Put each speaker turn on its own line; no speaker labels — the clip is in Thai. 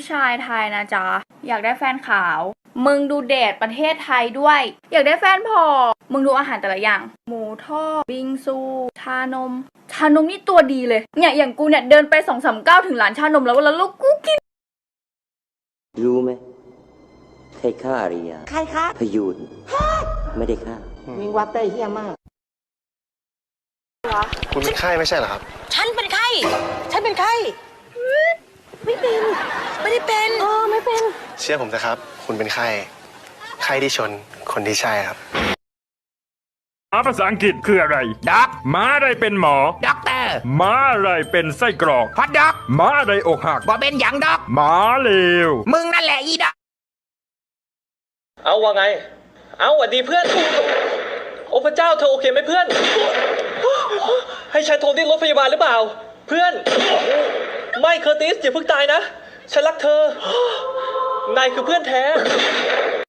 ชายไทยนะจ๊ะอยากได้แฟนขาวมึงดูเดทประเทศไทยด้วยอยากได้แฟนผอมมึงดูอาหารแต่ละอย่างหมูทอดบิงซูชานมนี่ตัวดีเลยเนี่ยอย่างกูเนี่ยเดินไป2-3 ก้าวถึงร้านชานมแล้วลูกกูกิน
รู้ไหมใครฆ่าอาริยา
ใครคะ
พยูนไม่ได้ฆ่า
วิงวัดได้เฮี้ยมาก
คุณเป็นไข้ไม่ใช่เหรอครับ
ฉันเป็นไข้ไม่เป็นไม่ได้เป็นไม่เป็น
เชื่อผมนะครับคุณเป็นไข้ที่ชนคนที่ใช่ครับ
ภาษาอังกฤษคืออะไร
ด็อก
ม้าอะไรเป็นหมอ
ด็อกเตอร์
ม้าอะไรเป็นไส้กรอก
ฮอทด็อก
ม้าอะไรอกหัก
บ่เป็นหยังด็อก
ม้าเลว
มึงนั่นแหละอีด็อก
เอาว่าไงเอาหวัดดีเพื่อนโอ้พระเจ้าเธอโอเคไหมเพื่อนให้ฉันโทรเรียกรถพยาบาลหรือเปล่าเพื่อนไม่เคอร์ติสอย่าเพิ่งตายนะฉันรักเธอนายคือเพื่อนแท้